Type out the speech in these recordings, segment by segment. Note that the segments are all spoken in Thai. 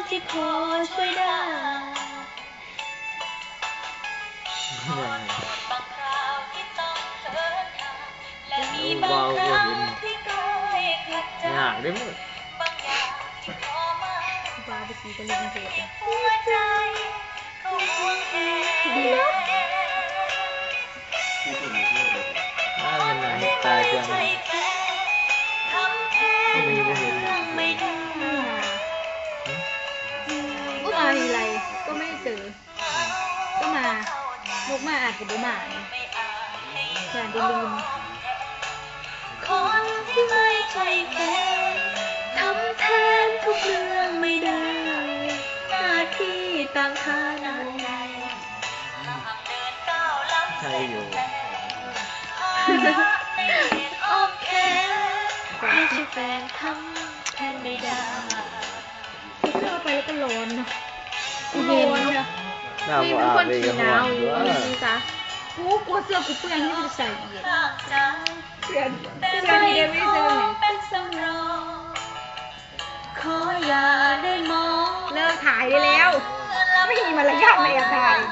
ที่พอช่วยได้บางคราวที่ต้องเดินทางและมีบางครั้งที่ก้อยขัดใจบางอย่างที่พอมาบาไปสีกันเลยเถอะหัวใจก็ห่วงแหมันตายจังไม่ได้ก็มาทีไรก็ไม่เจอก็มาลูกมาอาจจะบ่มาอย่าได้ลืมคนที่ไม่ใช่แฟนทำแทนทุกเรื่องไม่ได้หน้าที่ต่างฐานะใช่อยู่โอเคไม่ใช่แฟนทำแทนไม่ได้เข้าไปแล้วก็ร้อนเนาะเย็นเนาะนี่เป็นคนขี้หนาวอยู่นี่จ้ะกูกลัวเสื้อกูเปื้อนที่จะใส่เย็นเสื้อที่เดวิดเจอไหมเป็นสำรองขออย่าได้มองเลิกถ่ายได้แล้วไม่มีมารยาทในแอบถ่าย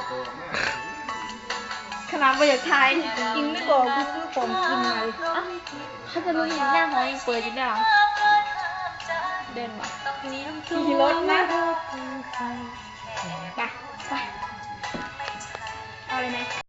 ขนาดไปอยากถ่ายกินไม่บอกกูซื้อของกินมาเขาจะรู้เห็นหน้าหอยเปิดอยู่แล้วเดินมาขี่รถนะไปเอาเลยไหม